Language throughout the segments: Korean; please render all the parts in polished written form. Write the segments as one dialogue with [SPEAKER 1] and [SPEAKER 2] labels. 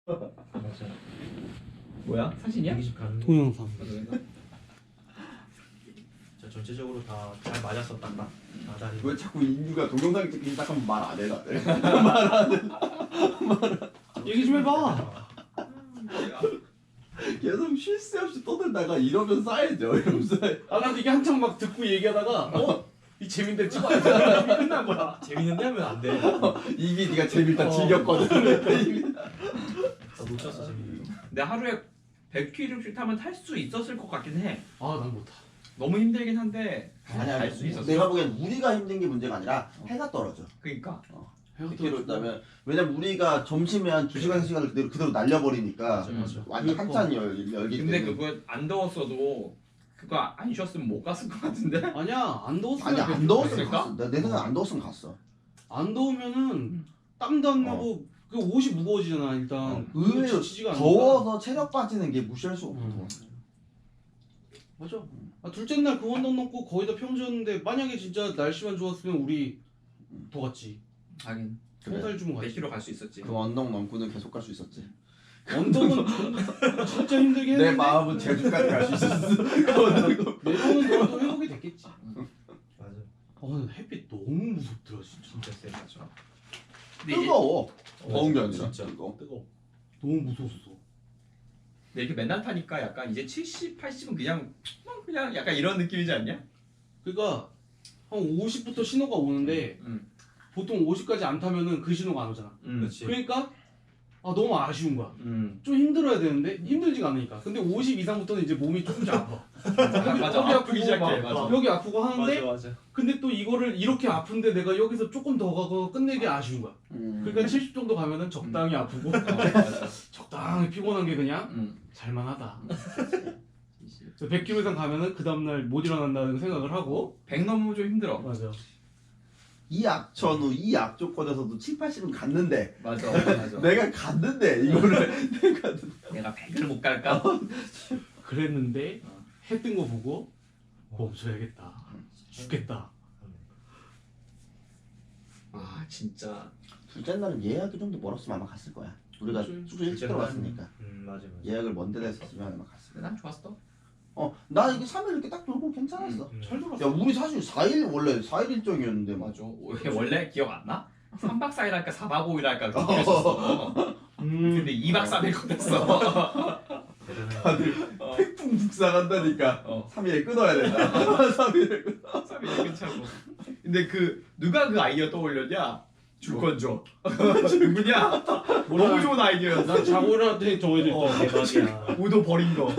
[SPEAKER 1] 맞아.
[SPEAKER 2] 뭐야? 사진이야?
[SPEAKER 1] 120 가는.
[SPEAKER 3] 동영상.
[SPEAKER 1] 자, 전체적으로 다 잘 맞았었단다. 다리.
[SPEAKER 4] 왜 자꾸 인류가 동영상 찍기 시작하면 말 안 해 다들?
[SPEAKER 3] 얘기 좀 해봐.
[SPEAKER 4] 계속 쉴 새 없이 떠들다가 이러면 쌓이죠. 이러면서
[SPEAKER 3] 아 나 이게 한창 막 듣고 얘기하다가 이 재밌는데 찍어야 돼. 이미 끝난 거야.
[SPEAKER 1] 재밌는데 하면 안 돼.
[SPEAKER 4] 이미 네가 재밌다 즐겼거든.
[SPEAKER 1] 나 놓쳤어 재밌는 거.
[SPEAKER 2] 근데 하루에 100km씩 타면 탈 수 있었을 것 같긴 해.
[SPEAKER 3] 아 난 못하.
[SPEAKER 2] 너무 힘들긴 한데
[SPEAKER 4] 아니야,
[SPEAKER 2] 갈 수 있었어.
[SPEAKER 4] 내가 보기엔 우리가 힘든 게 문제가 아니라 해가 떨어져.
[SPEAKER 2] 그러니까
[SPEAKER 4] 100km 있다면 왜냐면 우리가 점심에 한 2시간 3시간을 그대로 날려버리니까
[SPEAKER 1] 맞아.
[SPEAKER 4] 완전
[SPEAKER 3] 그러니까.
[SPEAKER 4] 한참 열기
[SPEAKER 2] 근데
[SPEAKER 4] 때문에.
[SPEAKER 2] 그거 안 더웠어도 그거 안 쉬었으면 못 갔을 것 같은데.
[SPEAKER 3] 아니야 안 더웠으면
[SPEAKER 4] 아니 안 더웠으면
[SPEAKER 2] 갔을까?
[SPEAKER 4] 갔어. 내 생각에 안 더웠으면 갔어.
[SPEAKER 3] 안 더우면은 땀도 안 나고 그 옷이 무거워지잖아 일단.
[SPEAKER 4] 의외로
[SPEAKER 3] 지치지가 않으니까.
[SPEAKER 4] 더워서 체력 빠지는 게 무시할 수 없거든.
[SPEAKER 3] 맞아. 아, 둘째 날 그 언덕 넘고 거의 다 평지였는데 만약에 진짜 날씨만 좋았으면 우리 더 갔지.
[SPEAKER 2] 하긴
[SPEAKER 3] 평살 주면 갔지.
[SPEAKER 2] 100km 갈 수 있었지.
[SPEAKER 4] 그 언덕 넘고는 계속 갈 수 있었지.
[SPEAKER 3] 언덕은 진짜 힘들게 했는데
[SPEAKER 4] 내 마음은 제주까지 갈 수 있었어.
[SPEAKER 3] 내려오는 동안도 회복이 됐겠지.
[SPEAKER 1] 맞아.
[SPEAKER 3] 근데 햇빛 너무 무섭더라 진짜.
[SPEAKER 1] 진짜 세.
[SPEAKER 2] 맞아. 근데 이게,
[SPEAKER 4] 뜨거워. 더운 게 아니라
[SPEAKER 1] 진짜.
[SPEAKER 4] 뜨거워.
[SPEAKER 1] 뜨거.
[SPEAKER 3] 너무 무서웠어.
[SPEAKER 2] 근데 이렇게 맨날 타니까 약간 이제 70, 80은 그냥 약간 이런 느낌이지 않냐?
[SPEAKER 3] 그러니까 한 50부터 신호가 오는데 보통 50까지 안 타면은 그 신호가 안 오잖아.
[SPEAKER 1] 그렇지.
[SPEAKER 3] 그러니까 너무 아쉬운 거야. 좀 힘들어야 되는데 힘들지가 않으니까. 근데 50 이상부터는 이제 몸이 조금씩 아파.
[SPEAKER 2] 맞아.
[SPEAKER 3] 여기
[SPEAKER 2] 아프기 시작해.
[SPEAKER 3] 막
[SPEAKER 2] 맞아.
[SPEAKER 3] 여기 아프고 하는데
[SPEAKER 1] 맞아.
[SPEAKER 3] 근데 또 이거를 이렇게 아픈데 내가 여기서 조금 더 가고 끝내기 아쉬운 거야. 그러니까 70 정도 가면은 적당히 아프고
[SPEAKER 2] 맞아.
[SPEAKER 3] 적당히 피곤한 게 그냥
[SPEAKER 2] 음.
[SPEAKER 3] 잘만하다. 100km 이상 가면은 그 다음날 못 일어난다는 생각을 하고
[SPEAKER 2] 100 넘으면 좀 힘들어.
[SPEAKER 3] 맞아.
[SPEAKER 4] 이 악천후 이 악조건에서도 7, 80은 갔는데
[SPEAKER 2] 맞아. 맞아.
[SPEAKER 4] 내가 갔는데 이거를
[SPEAKER 2] 내가 100을 못 갈까?
[SPEAKER 3] 그랬는데 해 뜬 거 보고 멈춰야겠다. 죽겠다.
[SPEAKER 2] 아 진짜.
[SPEAKER 4] 둘째 날은 예약이 좀 더 멀었으면 아마 갔을 거야. 우리가
[SPEAKER 3] 그치.
[SPEAKER 4] 숙소 일찍
[SPEAKER 1] 둘째
[SPEAKER 4] 들어갔으니까
[SPEAKER 1] 맞아.
[SPEAKER 4] 예약을 먼 데다 했었으면 아마 갔을
[SPEAKER 2] 근데 난 좋았어.
[SPEAKER 4] 거야. 나 이게 3일 이렇게 딱 돌고 괜찮았어.
[SPEAKER 3] 잘
[SPEAKER 4] 야
[SPEAKER 3] 돌았어.
[SPEAKER 4] 우리 사실 4일 원래 4일 일정이었는데 막
[SPEAKER 2] 맞아. 이게 원래 기억 안 나? 3박 4일 할까 4박 5일 할까 그렇게 했었어. 근데 2박 3일 걷었어.
[SPEAKER 1] 대단해.
[SPEAKER 4] 다들 태풍 북상한다니까 3일에 끊어야 된다. 3일에 끊어.
[SPEAKER 2] 3일 괜찮고. 근데 누가 그 아이디어 떠올렸냐? 줄 건 줘. 누구냐? 너무 좋은 아이디어였어.
[SPEAKER 3] 난 자고 일어났더니 저거 이제
[SPEAKER 1] 대박이야.
[SPEAKER 2] 우도 버린 거.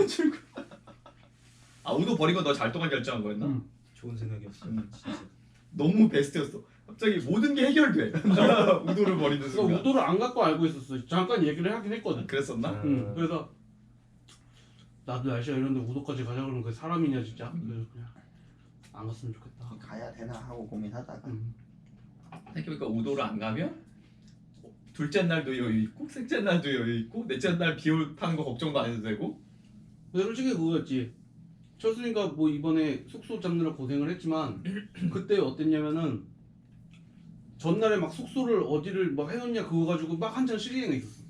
[SPEAKER 2] 아 우도 버린 거 너 잘 동안 결정한 거였나?
[SPEAKER 1] 좋은 생각이었어. 진짜.
[SPEAKER 2] 너무 베스트였어. 갑자기 모든 게 해결돼. 우도를 버리는
[SPEAKER 3] 그러니까
[SPEAKER 2] 순간.
[SPEAKER 3] 우도를 안 갖고 알고 있었어. 잠깐 얘기를 하긴 했거든.
[SPEAKER 2] 그랬었나?
[SPEAKER 3] 그래서 나도 날씨가 이런데 우도까지 가자 그러면 그 사람이냐 진짜. 그래서 그냥 안 갔으면 좋겠다.
[SPEAKER 4] 가야 되나 하고 고민하다가
[SPEAKER 2] 생각해보니까 우도를 안 가면 둘째 날도 여유 있고 셋째 날도 여유 있고 넷째 날 비올 타는 거 걱정도 안 해도 되고.
[SPEAKER 3] 근데 솔직히 그거였지. 철수니까 뭐 이번에 숙소 잡느라 고생을 했지만 그때 어땠냐면은 전날에 막 숙소를 어디를 막 해놓냐 그거 가지고 막 한참 실행에 있었어.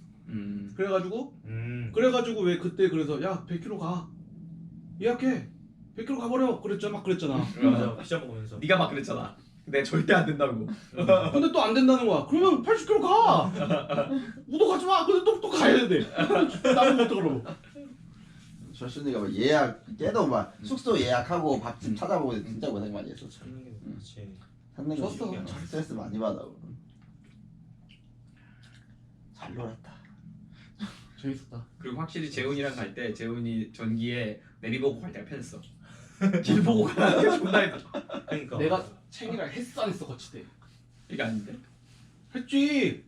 [SPEAKER 3] 그래가지고 왜 그때 그래서 야 100km 가 예약해 100km 가버려 그랬잖아 막 그랬잖아.
[SPEAKER 1] 맞아. 피자 먹으면서.
[SPEAKER 2] 네가 막 그랬잖아. 내가 절대 안 된다고.
[SPEAKER 3] 근데 또 안 된다는 거야. 그러면 80km 가. 우도 가지 마. 근데 또 가야 돼. 나는 못 그러고.
[SPEAKER 4] 철순이가 막 예약 깨도 막 숙소 예약하고 밥집 찾아보고 진짜 고생 많이 했었어.
[SPEAKER 1] 찾는 게 그렇지.
[SPEAKER 4] 찾는 거
[SPEAKER 3] 좋았어.
[SPEAKER 4] 중요해. 스트레스 많이 받아. 잘 놀았다.
[SPEAKER 3] 재밌었다.
[SPEAKER 2] 그리고 확실히 재훈이랑 갈 때 재훈이 전기에 내비 보고 갈 때가 편했어. 길 보고 가는 게 존나 힘들어.
[SPEAKER 1] 그러니까.
[SPEAKER 3] 내가 챙이랑 했어 안 했어 거치대.
[SPEAKER 2] 이게 아닌데?
[SPEAKER 3] 했지.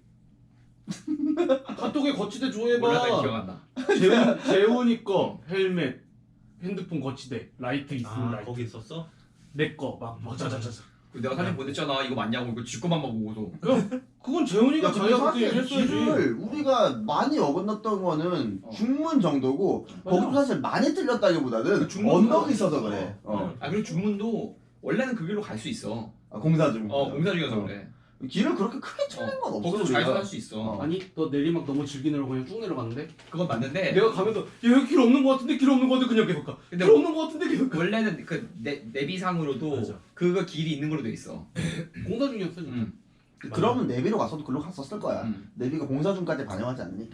[SPEAKER 3] 카톡에 거치대
[SPEAKER 2] 몰랐다 기억
[SPEAKER 3] 조회해봐.
[SPEAKER 2] 안 나.
[SPEAKER 3] 재훈이 거 헬멧 핸드폰 거치대 라이트 있으면
[SPEAKER 1] 아
[SPEAKER 3] 라이트.
[SPEAKER 1] 거기 있었어?
[SPEAKER 3] 내 거 막 자자자자.
[SPEAKER 2] 내가 사진 보냈잖아. 이거 맞냐고. 이거 지 것만 보고서.
[SPEAKER 3] 그건 재훈이가
[SPEAKER 4] 야, 근데
[SPEAKER 3] 자기가 그때
[SPEAKER 4] 사실
[SPEAKER 3] 얘기했어야지.
[SPEAKER 4] 길을 우리가 많이 어긋났던 거는 중문 정도고
[SPEAKER 3] 맞아.
[SPEAKER 4] 거기도 사실 많이 틀렸다기보다는
[SPEAKER 2] 중문
[SPEAKER 4] 언덕이 있어서 그래.
[SPEAKER 2] 아 그리고 중문도 원래는 그 길로 갈 수 있어.
[SPEAKER 4] 공사 중.
[SPEAKER 2] 공사 중이어서 그래.
[SPEAKER 4] 길을 그렇게 크게 쳐낸 건 없어.
[SPEAKER 2] 거기서
[SPEAKER 4] 우리가.
[SPEAKER 2] 좌회전할 수 있어.
[SPEAKER 4] 어.
[SPEAKER 3] 아니 너 내리막 너무 즐기느라고 그냥 쭉 내려갔는데
[SPEAKER 2] 그건 맞는데
[SPEAKER 3] 내가 가면서 야 여기 길 없는 거 같은데 길 없는 거 같은데 그냥 계속 가.
[SPEAKER 2] 근데
[SPEAKER 3] 길 없는 거 같은데 계속 가.
[SPEAKER 2] 원래는 그 내비상으로도
[SPEAKER 1] 맞아.
[SPEAKER 2] 그거 길이 있는 걸로 돼 있어.
[SPEAKER 3] 공사 중이었어 진짜.
[SPEAKER 2] 음.
[SPEAKER 4] 그러면 내비로 갔어도 글로 갔었을 거야.
[SPEAKER 2] 음.
[SPEAKER 4] 내비가 공사 중까지 반영하지 않으니까.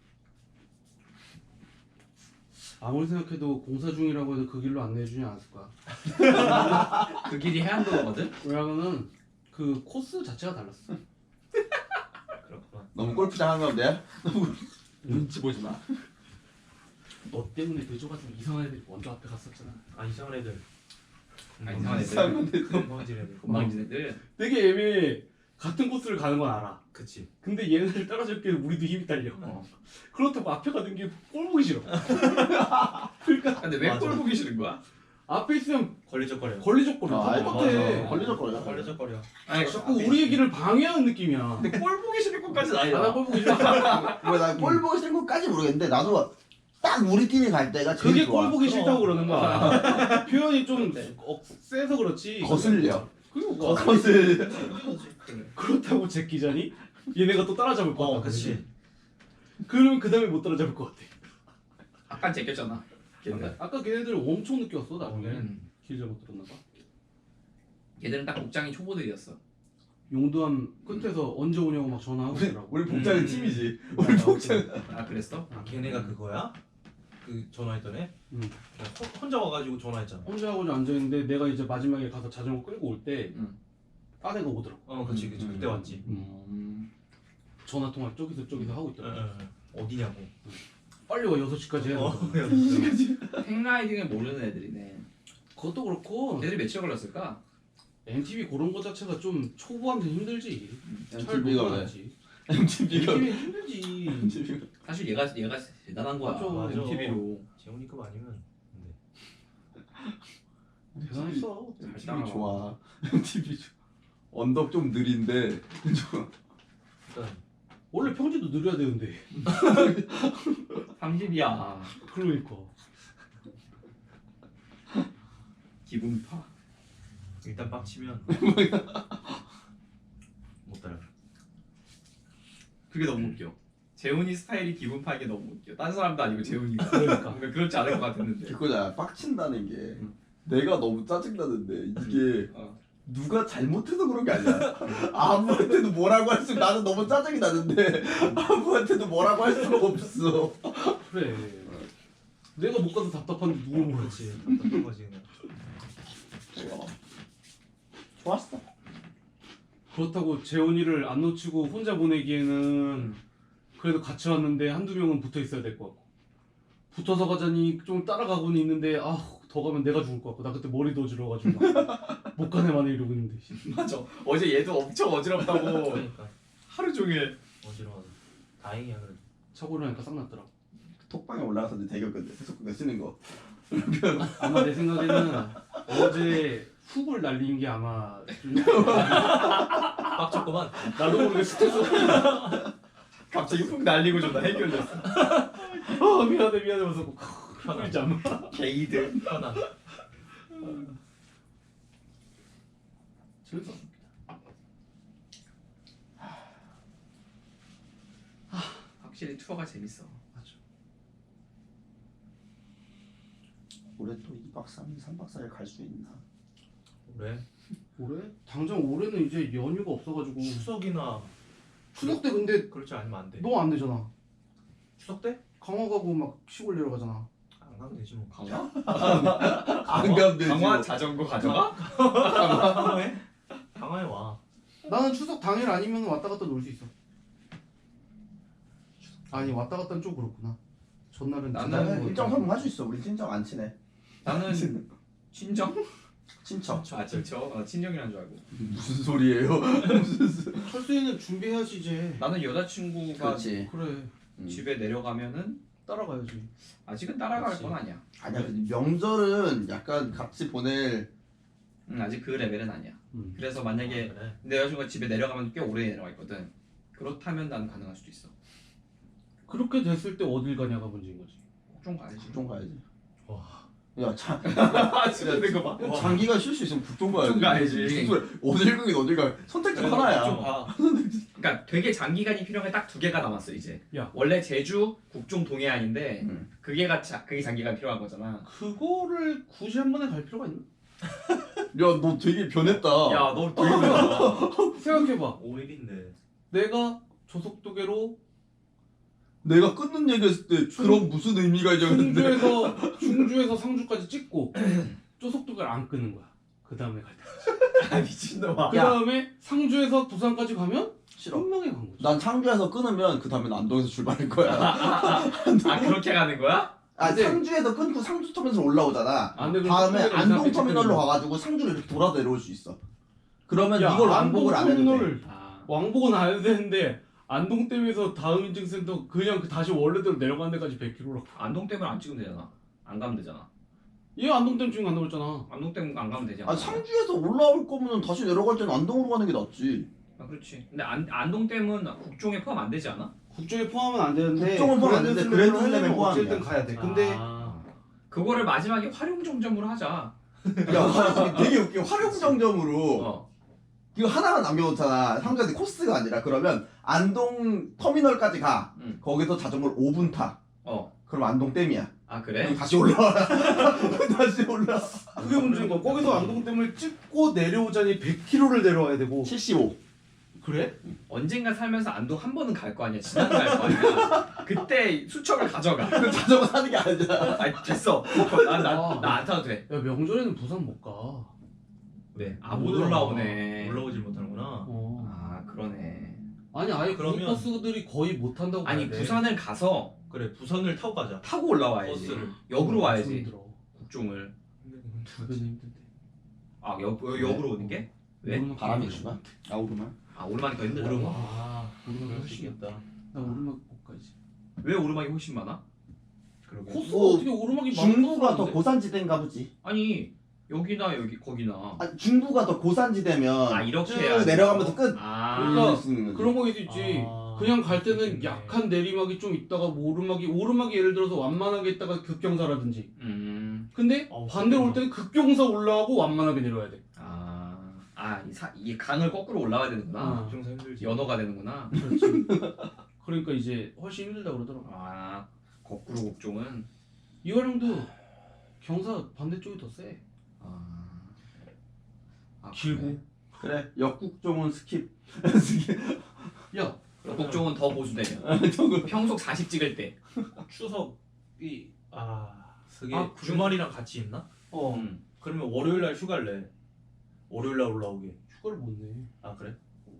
[SPEAKER 3] 아무리 생각해도 공사 중이라고 해도 그 길로 안내해주지 않았을 거야.
[SPEAKER 2] 그 길이 해안도로거든.
[SPEAKER 3] 왜냐면은 그 코스 자체가 달랐어.
[SPEAKER 1] 그렇구나.
[SPEAKER 4] 너무 골프장 한 건데.
[SPEAKER 2] 눈치 보지 마.
[SPEAKER 3] 너 때문에 늦어가지고 이상한 애들이 먼저 앞에 갔었잖아.
[SPEAKER 1] 아 이상한 애들.
[SPEAKER 2] 이상한 애들.
[SPEAKER 1] 건방진 애들.
[SPEAKER 2] 건방진 애들.
[SPEAKER 3] 되게 애매해. 같은 코스를 가는 건 알아.
[SPEAKER 1] 그치.
[SPEAKER 3] 근데 얘네들 따라잡기에 우리도 힘이 딸려.
[SPEAKER 2] 어.
[SPEAKER 3] 그렇다고 앞에 가는 게 꼴 보기 싫어.
[SPEAKER 2] 근데 왜
[SPEAKER 1] 맞아.
[SPEAKER 2] 꼴 보기 싫은 거야?
[SPEAKER 3] 앞에 있으면
[SPEAKER 1] 걸리적거려.
[SPEAKER 3] 걸리적거려.
[SPEAKER 4] 아,
[SPEAKER 3] 똑같아.
[SPEAKER 1] 맞아.
[SPEAKER 4] 걸리적거려.
[SPEAKER 1] 걸리적거려.
[SPEAKER 2] 아니
[SPEAKER 3] 자꾸 우리의 길을 방해하는 느낌이야.
[SPEAKER 2] 근데 꼴 보기 싫은 것까지는
[SPEAKER 3] 아, 나
[SPEAKER 2] 아니다.
[SPEAKER 3] 꼴 보기 싫어.
[SPEAKER 4] 나골 보기 싫은 것까지 모르겠는데 나도 딱 우리끼리 갈 때가 제일
[SPEAKER 3] 그게
[SPEAKER 4] 좋아.
[SPEAKER 3] 꼴 보기 싫다고 그러는 거야. 표현이 좀
[SPEAKER 2] 네.
[SPEAKER 3] 세서 그렇지.
[SPEAKER 4] 거슬려.
[SPEAKER 3] 그리고 뭐
[SPEAKER 4] 거슬.
[SPEAKER 3] 그렇다고 제끼자니? 얘네가 또 따라잡을 것 같아.
[SPEAKER 1] 그치.
[SPEAKER 3] 그러면 그 다음에 못 따라잡을 것 같아.
[SPEAKER 2] 아까 제꼈잖아. 걔들.
[SPEAKER 3] 아까 걔네들 엄청 늦게 왔어 나중에.
[SPEAKER 2] 음.
[SPEAKER 3] 길 잘못 들었나 봐.
[SPEAKER 2] 걔들은 딱 복장이 초보들이었어.
[SPEAKER 3] 용두암 끝에서 언제 오냐고 막 전화하고 있더라고.
[SPEAKER 4] 우리 복장은 팀이지.
[SPEAKER 1] 우리
[SPEAKER 4] 우리 복장.
[SPEAKER 2] 아 그랬어?
[SPEAKER 1] 아, 걔네가 그거야? 그 전화했던 애?
[SPEAKER 3] 응.
[SPEAKER 1] 혼자 와가지고 전화했잖아.
[SPEAKER 3] 혼자 하고 앉아있는데 내가 이제 마지막에 가서 자전거 끌고 올 때
[SPEAKER 2] 응.
[SPEAKER 3] 딴 애가 오더라고.
[SPEAKER 1] 어 그치 그치. 그때 왔지.
[SPEAKER 3] 전화 통화 저기서 하고
[SPEAKER 1] 응,
[SPEAKER 3] 있더라고.
[SPEAKER 1] 응, 응. 어디냐고.
[SPEAKER 3] 빨리 와 6시까지 해야
[SPEAKER 1] 어,
[SPEAKER 3] 된다.
[SPEAKER 2] 행라이딩을 모르는 애들이네.
[SPEAKER 3] 그것도 그렇고
[SPEAKER 2] 걔들이 며칠 걸렸을까?
[SPEAKER 3] MTV 그런 거 자체가 좀 초보한테 힘들지.
[SPEAKER 4] MTV가 왜?
[SPEAKER 3] 지
[SPEAKER 4] MTV가
[SPEAKER 3] MTV는 힘들지.
[SPEAKER 4] MTV가
[SPEAKER 2] 사실 얘가 대단한 거야.
[SPEAKER 3] 맞아,
[SPEAKER 1] 맞아.
[SPEAKER 2] MTV로.
[SPEAKER 1] 재훈이급 아니면. 근데.
[SPEAKER 3] 대단했어.
[SPEAKER 4] MTV 좋아. MTV 좋아. 언덕 좀 느린데 좋아.
[SPEAKER 1] 일단
[SPEAKER 3] 원래 평지도 느려야 되는데.
[SPEAKER 2] 30이야.
[SPEAKER 3] 그러니까.
[SPEAKER 2] 기분파.
[SPEAKER 1] 일단 빡치면 못 따라.
[SPEAKER 2] 그게 너무 웃겨. 재훈이 스타일이 기분파인 게 너무 웃겨. 딴 사람도 아니고 재훈이가.
[SPEAKER 3] 그러니까.
[SPEAKER 2] 뭔가 그렇지 않을 것 같았는데.
[SPEAKER 4] 그거잖아. 빡친다는 게 내가 너무 짜증나는데 이게
[SPEAKER 2] 어.
[SPEAKER 4] 누가 잘못해서 그런 게 아니야. 아무한테도 뭐라고 할 수. 나는 너무 짜증이 나는데 아무한테도 뭐라고 할 수가 없어.
[SPEAKER 3] 그래. 내가 못 가서 답답한데 누굴 모르지.
[SPEAKER 1] 그렇지. 답답한 거지 그냥.
[SPEAKER 4] 좋았어.
[SPEAKER 3] 그렇다고 재훈이를 안 놓치고 혼자 보내기에는 그래도 같이 왔는데 한두 명은 붙어 있어야 될 것 같고 붙어서 가자니 좀 따라가고는 있는데 더 가면 내가 죽을 것 같고 나 그때 머리도 어지러워가지고 막 못 가네만 이러고 있는데
[SPEAKER 2] 맞아. 어제 얘도 엄청 어지럽다고
[SPEAKER 1] 그러니까
[SPEAKER 2] 하루 종일.
[SPEAKER 1] 어지러워. 다행이야 그래도.
[SPEAKER 3] 차고 일어나니까 싹 났더라.
[SPEAKER 4] 톡방에 올라가서 이제 대결 건데 세속국가 쓰는 거.
[SPEAKER 3] 아마 내 생각에는 어제 훅을 날린 게 아마 좀
[SPEAKER 1] 빡쳤구만.
[SPEAKER 3] 나도 모르게 스트레스
[SPEAKER 2] 갑자기 훅 날리고 좀 나 해결됐어.
[SPEAKER 3] 미안해 하면서
[SPEAKER 1] 편안.
[SPEAKER 3] 잠
[SPEAKER 2] 게이들.
[SPEAKER 1] 편안.
[SPEAKER 3] 재밌었습니다.
[SPEAKER 2] 확실히 투어가 재밌어.
[SPEAKER 4] 올해 또 2박 3일, 3박 4일 갈 수 있나?
[SPEAKER 1] 올해
[SPEAKER 3] 올해? 당장 올해는 이제 연휴가 없어가지고
[SPEAKER 1] 추석이나
[SPEAKER 3] 추석 때 근데
[SPEAKER 1] 그렇지 않으면 안 돼.
[SPEAKER 3] 너 안 되잖아.
[SPEAKER 1] 추석 때?
[SPEAKER 3] 강화 가고 막 시골 내려가잖아.
[SPEAKER 1] 안 가면 되지 뭐.
[SPEAKER 2] 강화?
[SPEAKER 4] 안 가면 되지.
[SPEAKER 2] 강화
[SPEAKER 4] 뭐.
[SPEAKER 2] 자전거 가져가?
[SPEAKER 1] 강화에? 강화에 와.
[SPEAKER 3] 나는 추석 당일 아니면 왔다 갔다 놀 수 있어. 아니 왔다 갔다는 좀 그렇구나. 전날은
[SPEAKER 2] 나는
[SPEAKER 4] 나는
[SPEAKER 2] 뭐
[SPEAKER 4] 일정 한번 할 수 있어. 우리 친정 안 친해.
[SPEAKER 2] 나는 친정?
[SPEAKER 4] 친척.
[SPEAKER 2] 아 친척? 친정이란 줄 알고.
[SPEAKER 4] 무슨 소리예요?
[SPEAKER 3] 철수이는 준비해야지 이제.
[SPEAKER 2] 나는 여자친구가
[SPEAKER 4] 그렇지.
[SPEAKER 3] 그래
[SPEAKER 2] 집에 내려가면은
[SPEAKER 3] 따라가야지.
[SPEAKER 2] 아직은 따라갈
[SPEAKER 1] 그렇지.
[SPEAKER 2] 건 아니야.
[SPEAKER 4] 아니야. 근데 명절은 약간 같이 보낼.
[SPEAKER 2] 아직 그 레벨은 아니야. 그래서 만약에
[SPEAKER 1] 아, 그래.
[SPEAKER 2] 내 여자친구가 집에 내려가면 꽤 오래 내려가 있거든. 그렇다면 난 가능할 수도 있어.
[SPEAKER 3] 그렇게 됐을 때 어딜 가냐가 문제인 거지.
[SPEAKER 2] 좀 가야지.
[SPEAKER 4] 좀 가야지.
[SPEAKER 1] 와
[SPEAKER 4] 야
[SPEAKER 2] 진짜 거 봐.
[SPEAKER 4] 장기가 쉴 수 있으면 북쪽 가야지.
[SPEAKER 2] 북쪽 가야지.
[SPEAKER 4] 무슨 소리야. 어딜 가긴 어딜 가. 선택 중 하나야.
[SPEAKER 1] 좀 봐.
[SPEAKER 2] 그러니까 되게 장기간이 필요한 게 딱 두 개가 남았어 이제.
[SPEAKER 3] 야.
[SPEAKER 2] 원래 제주, 국종, 동해안인데 그게 장기간 필요한 거잖아.
[SPEAKER 3] 그거를 굳이 한 번에 갈 필요가 있나?
[SPEAKER 4] 야 너 되게 변했다.
[SPEAKER 2] 야, 너 되게 좋아.
[SPEAKER 3] 생각해봐.
[SPEAKER 1] 5일인데.
[SPEAKER 3] 내가 조속도계로
[SPEAKER 4] 내가 끊는 얘기했을 때 그럼 무슨 의미가 있냐는데.
[SPEAKER 3] 충주에서 상주까지 찍고 조속도계를 안 끄는 거야. 그 다음에 갈 때.
[SPEAKER 2] 아, 미친놈아.
[SPEAKER 3] 그 다음에 상주에서 부산까지 가면
[SPEAKER 4] 싫어.
[SPEAKER 3] 분명히 간 거지.
[SPEAKER 4] 난 상주에서 끊으면 그 다음에 안동에서 출발할 거야.
[SPEAKER 2] 아, 그렇게 가는 거야?
[SPEAKER 4] 아
[SPEAKER 3] 근데-
[SPEAKER 4] 상주에서 끊고 상주 터미널 올라오잖아.
[SPEAKER 3] 아, 근데 그럼
[SPEAKER 4] 다음에
[SPEAKER 3] 조속도계를
[SPEAKER 4] 안동
[SPEAKER 3] 이상하게
[SPEAKER 4] 터미널로
[SPEAKER 3] 찍는 거야.
[SPEAKER 4] 가가지고 상주로 이렇게 돌아 내려올 수 있어. 그러면
[SPEAKER 3] 야,
[SPEAKER 4] 이걸
[SPEAKER 3] 안동
[SPEAKER 4] 왕복을 안 해도 돼.
[SPEAKER 3] 터미널을
[SPEAKER 2] 아,
[SPEAKER 3] 왕복은 안 해도 되는데 안동댐에서 다음 인증센터 그냥 다시 원래대로 내려가는 데까지 100km라고.
[SPEAKER 2] 안동 때문에 안 찍으면 되잖아. 안 가면 되잖아.
[SPEAKER 3] 얘 안동댐 지금 간다고 했잖아.
[SPEAKER 2] 안동 때문에 안 가면 되잖아.
[SPEAKER 4] 아 상주에서 올라올 거면 다시 내려갈 때는 안동으로 가는 게 낫지.
[SPEAKER 2] 아, 그렇지. 근데 안동 댐은 국종에 포함 안 되지 않아?
[SPEAKER 3] 국종에 포함은 안 되는데
[SPEAKER 4] 국종은 포함 안 되는데 그랜드 슬램에
[SPEAKER 3] 어쨌든
[SPEAKER 4] 포함이야.
[SPEAKER 3] 가야 돼. 근데
[SPEAKER 2] 아, 그거를 마지막에 활용정점으로 하자.
[SPEAKER 4] 야 활용 되게 웃겨. 활용정점으로
[SPEAKER 2] 어.
[SPEAKER 4] 이거 하나만 남겨놓잖아. 상주한테 코스가 아니라 그러면 안동 터미널까지 가.
[SPEAKER 2] 응.
[SPEAKER 4] 거기서 자전거를 5분 타.
[SPEAKER 2] 어.
[SPEAKER 4] 그럼 안동 댐이야.
[SPEAKER 2] 아, 그래?
[SPEAKER 4] 그럼 다시 올라와. 다시 올라.
[SPEAKER 3] 그게 문제인 거야. 거기서 안동댐을 찍고 내려오자니 100km를 내려와야 되고.
[SPEAKER 4] 75.
[SPEAKER 3] 그래?
[SPEAKER 2] 언젠가 살면서 안동 한 번은 갈 거 아니야. 지난 갈 거 아니야. 그때 수첩을 가져가.
[SPEAKER 4] 그 자전거 사는 게 아니잖아.
[SPEAKER 2] 아, 됐어. 나 안 타도 돼.
[SPEAKER 3] 야 명절에는 부산 못 가.
[SPEAKER 1] 왜?
[SPEAKER 2] 아, 못 올라오네.
[SPEAKER 1] 올라오질 못하는구나.
[SPEAKER 3] 어.
[SPEAKER 2] 아, 그러네.
[SPEAKER 3] 아니 아예 그런
[SPEAKER 1] 그러면-
[SPEAKER 3] 버스들이 거의 못 탄다고.
[SPEAKER 2] 아니,
[SPEAKER 3] 봐야 돼.
[SPEAKER 2] 부산을 가서
[SPEAKER 1] 그래 부산을 타고 가자.
[SPEAKER 2] 타고 올라와야지.
[SPEAKER 1] 버스를.
[SPEAKER 2] 역으로
[SPEAKER 3] 엄청
[SPEAKER 2] 와야지.
[SPEAKER 3] 힘들어.
[SPEAKER 2] 국종을.
[SPEAKER 3] 주변이 힘든데.
[SPEAKER 2] 아, 역으로 오는 게? 왜?
[SPEAKER 3] 오르막
[SPEAKER 4] 바람이
[SPEAKER 3] 가기
[SPEAKER 4] 있구나. 아 오르막.
[SPEAKER 2] 아, 오르막이 더 힘들다.
[SPEAKER 1] 오르막.
[SPEAKER 3] 오르막
[SPEAKER 1] 그럴 수
[SPEAKER 3] 훨씬
[SPEAKER 1] 있겠다.
[SPEAKER 3] 나 오르막 못 가지.
[SPEAKER 2] 왜 오르막이 훨씬 많아?
[SPEAKER 1] 그러게.
[SPEAKER 3] 코스가
[SPEAKER 4] 뭐,
[SPEAKER 3] 어떻게 오르막이
[SPEAKER 4] 중부가 더
[SPEAKER 3] 많다고
[SPEAKER 4] 고산지대인가 보지.
[SPEAKER 2] 아니, 여기나 여기 거기나.
[SPEAKER 4] 아, 중부가 더 고산지대면
[SPEAKER 2] 아, 이렇게
[SPEAKER 4] 쭉
[SPEAKER 2] 해야지.
[SPEAKER 4] 내려가면서 끝.
[SPEAKER 2] 아,
[SPEAKER 3] 그러니까
[SPEAKER 4] 올릴 수 있는 거지.
[SPEAKER 3] 그런 거 있을 수 있지.
[SPEAKER 1] 아,
[SPEAKER 3] 그냥 갈 때는
[SPEAKER 1] 그렇겠네.
[SPEAKER 3] 약한 내리막이 좀 있다가 뭐 오르막이 예를 들어서 완만하게 있다가 급경사라든지. 근데 반대로 올 때는 급경사 올라가고 완만하게 내려와야 돼.
[SPEAKER 2] 이 강을 거꾸로 올라가야 되는구나.
[SPEAKER 3] 어.
[SPEAKER 1] 정상 힘들지.
[SPEAKER 2] 연어가 되는구나.
[SPEAKER 3] 그렇지. 그러니까 이제 훨씬 힘들다 그러더라고.
[SPEAKER 2] 아, 거꾸로 국종은.
[SPEAKER 3] 이화령도 경사 반대쪽이 더 세. 길고.
[SPEAKER 4] 그래 역국종은 스킵. 스킵.
[SPEAKER 3] 야,
[SPEAKER 2] 그래. 국종은 더 보수되면. 평속 40 찍을 때.
[SPEAKER 1] 추석이 그게
[SPEAKER 3] 아, 그래?
[SPEAKER 1] 주말이랑 같이 있나?
[SPEAKER 3] 어,
[SPEAKER 1] 그러면 월요일 날 휴가를 내. 월요일 날 올라오게.
[SPEAKER 3] 휴가를 못 내.
[SPEAKER 1] 아 그래?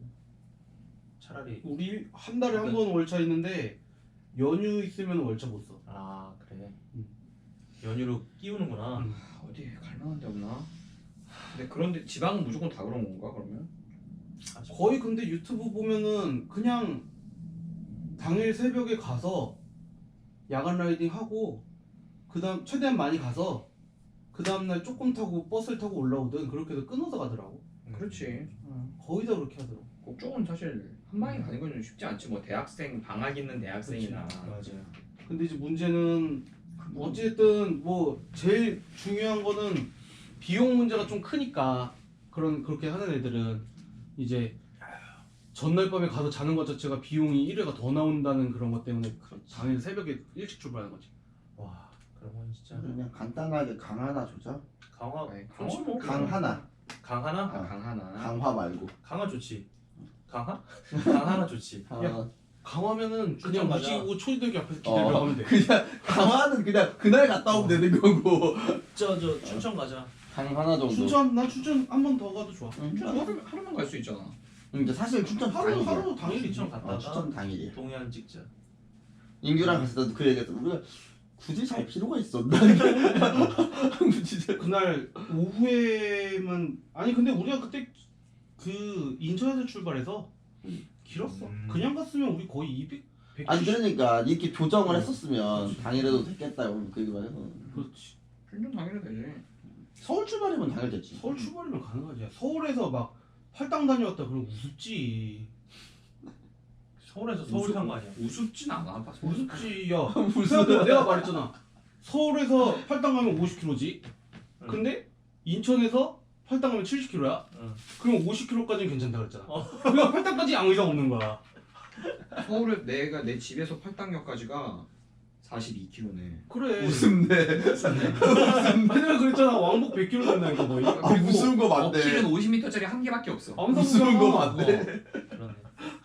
[SPEAKER 1] 차라리
[SPEAKER 3] 우리 한 달에 한 번 월차 있는데 연휴 있으면 월차 못 써.
[SPEAKER 1] 아 그래.
[SPEAKER 3] 응.
[SPEAKER 1] 연휴로 끼우는구나.
[SPEAKER 3] 응.
[SPEAKER 2] 어디 갈만한 데 없나? 근데 그런데 지방은 무조건 다 그런 건가 그러면?
[SPEAKER 3] 거의 근데 유튜브 보면은 그냥 당일 새벽에 가서 야간 라이딩 하고 그다음 최대한 많이 가서 그 다음날 조금 타고 버스를 타고 올라오든 그렇게 해서 끊어서 가더라고.
[SPEAKER 2] 그렇지.
[SPEAKER 3] 거의 다 그렇게 하더라고.
[SPEAKER 2] 국종은 사실 한 방에 가는 건 좀 쉽지 않지. 뭐 대학생 방학 있는 대학생이나.
[SPEAKER 1] 맞아요.
[SPEAKER 3] 근데 이제 문제는 어쨌든 뭐 제일 중요한 거는 비용 문제가 좀 크니까 그렇게 하는 애들은 이제 전날 밤에 가서 자는 것 자체가 비용이 1회가 더 나온다는 그런 것 때문에 당일 새벽에 일찍 출발하는 거지.
[SPEAKER 1] 와 그러면 진짜
[SPEAKER 4] 그냥 간단하게 강 하나 조져.
[SPEAKER 1] 강화
[SPEAKER 2] 네,
[SPEAKER 1] 좋지 뭐.
[SPEAKER 4] 강 하나.
[SPEAKER 1] 강 하나?
[SPEAKER 2] 아, 강 하나.
[SPEAKER 4] 강화 말고.
[SPEAKER 1] 강화 좋지. 강화? 강 하나 좋지.
[SPEAKER 3] 야, 강화면은 그냥
[SPEAKER 1] 가자.
[SPEAKER 3] 무시고 초지대교 앞에서 기다려 가면 돼.
[SPEAKER 4] 그냥 강화는 그냥 그날 갔다 오면 되는 거고.
[SPEAKER 1] 저 춘천 가자.
[SPEAKER 4] 강 하나 정도.
[SPEAKER 3] 나 춘천 한 번 더 가도 좋아.
[SPEAKER 4] 응.
[SPEAKER 2] 하루만 갈 수 있잖아.
[SPEAKER 4] 근데 사실 춘천 당일이야.
[SPEAKER 3] 하루 당일이지.
[SPEAKER 1] 춘천 갔다가
[SPEAKER 4] 춘천 당일이야.
[SPEAKER 1] 동해안 찍자.
[SPEAKER 4] 인규랑 갔을 때도 그 얘기했어. 우리가 굳이 잘 필요가 있었나? 진짜.
[SPEAKER 3] 그날 오후에만 아니 근데 우리가 그때 그 인천에서 출발해서 길었어. 그냥 갔으면 우리 거의 200 170.
[SPEAKER 4] 아니 그러니까 이렇게 조정을
[SPEAKER 3] 어.
[SPEAKER 4] 했었으면
[SPEAKER 3] 그렇지.
[SPEAKER 4] 당일에도 됐겠다 그 얘기만 해서.
[SPEAKER 3] 그렇지.
[SPEAKER 2] 춘천 당일에 되지.
[SPEAKER 4] 서울 출발이면 당일 됐지.
[SPEAKER 3] 서울 출발이면 가능하지. 서울에서 막 활당 다녀왔다 그러면 우습지.
[SPEAKER 1] 서울에서 서울 산 거 아니야?
[SPEAKER 2] 우습진 않아.
[SPEAKER 3] 우습지. 야 생각해봐. 내가 말했잖아. 서울에서 팔당 가면 50km지. 근데 인천에서 팔당 가면 70km야.
[SPEAKER 1] 응.
[SPEAKER 3] 그럼 50km까지는 괜찮다 그랬잖아. 그러니까 팔당까지 아무 이상 없는 거야.
[SPEAKER 2] 서울에 내가 내 집에서 팔당역까지가 42km네.
[SPEAKER 3] 그래.
[SPEAKER 4] 웃음네.
[SPEAKER 3] 내가 그랬잖아. 왕복 100km 된다니까 거의.
[SPEAKER 4] 아 무서운 거 맞네.
[SPEAKER 2] 어필은 50m짜리 한 개밖에 없어.
[SPEAKER 4] 무서운 거 맞네.
[SPEAKER 1] 그러네.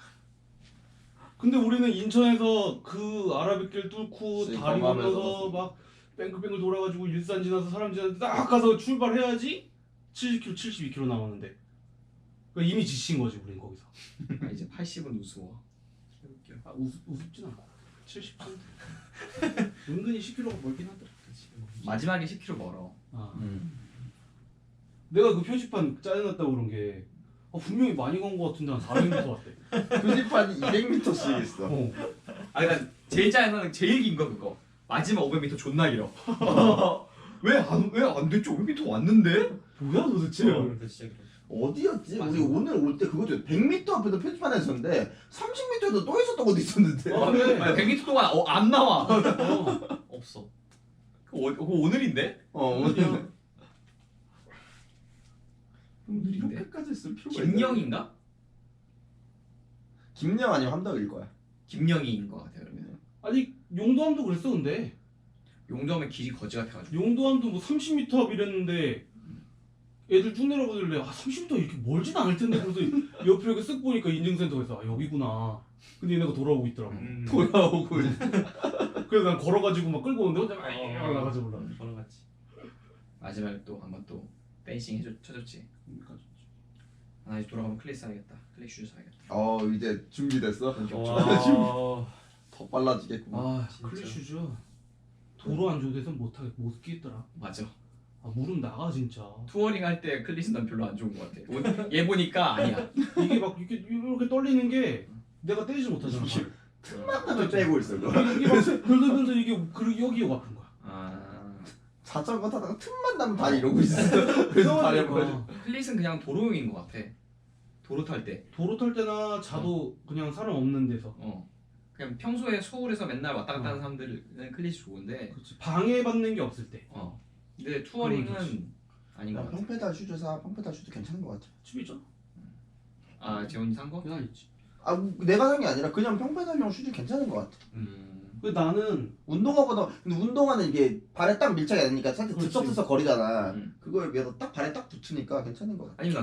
[SPEAKER 3] 근데 우리는 인천에서 그 아라뱃길 뚫고 다리
[SPEAKER 4] 깜깜하면서
[SPEAKER 3] 건너서 막 뱅글뱅글 돌아가지고 일산 지나서 사람 지나서 딱 가서 출발해야지 70km, 72km 남았는데 그러니까 이미 지친 거지 우린 거기서.
[SPEAKER 2] 아, 이제 80은 우스워. 웃겨.
[SPEAKER 3] 아, 우습진 않아. 70. 은근히 10km가 멀긴 하더라.
[SPEAKER 2] 마지막에 10km 멀어.
[SPEAKER 3] 아.
[SPEAKER 4] 음.
[SPEAKER 3] 내가 그 표지판 짜증났다고 그런 게 분명히 많이 간 거 같은데 한 400m 왔대.
[SPEAKER 4] 표지판이 200m씩 있어.
[SPEAKER 3] 어.
[SPEAKER 2] 아, 난 제일 짜증나는 제일 긴 거 그거. 마지막 500m 존나 길어. 왜안 됐지? 500m 왔는데?
[SPEAKER 3] 뭐야 도대체?
[SPEAKER 1] 근데 진짜 그래.
[SPEAKER 4] 어디였지?
[SPEAKER 2] 맞아.
[SPEAKER 4] 우리 오늘 올 때 그것도 100m 앞에도 표지판에 있었는데 30m에도 또 있었던 것도 있었는데.
[SPEAKER 3] 어, 그래.
[SPEAKER 2] 아니, 100m 동안 안 나와.
[SPEAKER 1] 없어.
[SPEAKER 2] 그거 오늘인데?
[SPEAKER 4] 오늘
[SPEAKER 2] 오늘인데?
[SPEAKER 4] 이렇게까지 쓸 필요가 있나?
[SPEAKER 2] 김영인가?
[SPEAKER 4] 김영 아니면 함덕일 거야.
[SPEAKER 2] 김영희인 것 같아 그러면.
[SPEAKER 3] 아니 용도함도 그랬어 근데.
[SPEAKER 2] 용도하면 길이 거지 같아가지고.
[SPEAKER 3] 용도함도 뭐 30m 앞 이랬는데 애들 쭉 내려보길래 30m 이렇게 멀진 않을 텐데 그래서 옆에 이렇게 쓱 보니까 인증센터에서 여기구나. 근데 얘네가 돌아오고 있더라고.
[SPEAKER 4] 돌아오고.
[SPEAKER 3] 그래서 난 걸어가지고 막 끌고 오는데 혼자 막 나가서 올라.
[SPEAKER 1] 걸어갔지.
[SPEAKER 2] 마지막에 또 한번 또 댄싱 쳐줬지. 아 이제 돌아가면 클릭 사야겠다. 클릭 슈즈 사야겠다.
[SPEAKER 4] 이제 준비됐어?
[SPEAKER 1] 와.
[SPEAKER 4] 더 빨라지겠구만.
[SPEAKER 3] 아
[SPEAKER 1] 진짜.
[SPEAKER 3] 클리슈즈 도로 안 좋은 데서 못 끼겠더라.
[SPEAKER 2] 맞아.
[SPEAKER 3] 아 무릎 나가 진짜.
[SPEAKER 2] 투어링 할 때 클릿은 난 별로 안 좋은 것 같아. 얘 보니까 아니야.
[SPEAKER 3] 이게 막 이렇게 떨리는 게 내가 때리지 못하잖아.
[SPEAKER 4] 틈만 빼고 있어. 그거.
[SPEAKER 3] 이게 막 돌면서 이게 여기가 아픈 거야.
[SPEAKER 2] 아
[SPEAKER 4] 자전거 타다가 틈만 나면 다 이러고 있어. 그래서 다리 아파.
[SPEAKER 2] 클릿은 그냥 도로용인 것 같아. 도로 탈 때.
[SPEAKER 3] 도로 탈 때나 자도 그냥 사람 없는 데서.
[SPEAKER 2] 그냥 평소에 서울에서 맨날 왔다 갔다 하는 사람들은 클릿이 좋은데.
[SPEAKER 3] 그렇지. 방해받는 게 없을 때.
[SPEAKER 2] 근데
[SPEAKER 3] 그건
[SPEAKER 2] 투어링은 아닌 것 같아.
[SPEAKER 4] 평페달 슈즈 사. 평페달 슈즈 괜찮은 것 같아.
[SPEAKER 3] 집에 있잖아.
[SPEAKER 2] 아 재훈이 산 거?
[SPEAKER 3] 그냥 있지.
[SPEAKER 4] 내가 산 게 아니라 그냥 평페달용 슈즈 괜찮은 것 같아.
[SPEAKER 3] 그 나는
[SPEAKER 4] 운동화보다 근데 운동화는 이게 발에 딱 밀착이 안 되니까 살짝
[SPEAKER 3] 그렇지.
[SPEAKER 4] 들썩들썩 거리잖아.
[SPEAKER 2] 음.
[SPEAKER 4] 그거에 비해서 딱 발에 딱 붙으니까 괜찮은 것 같아.
[SPEAKER 2] 아니면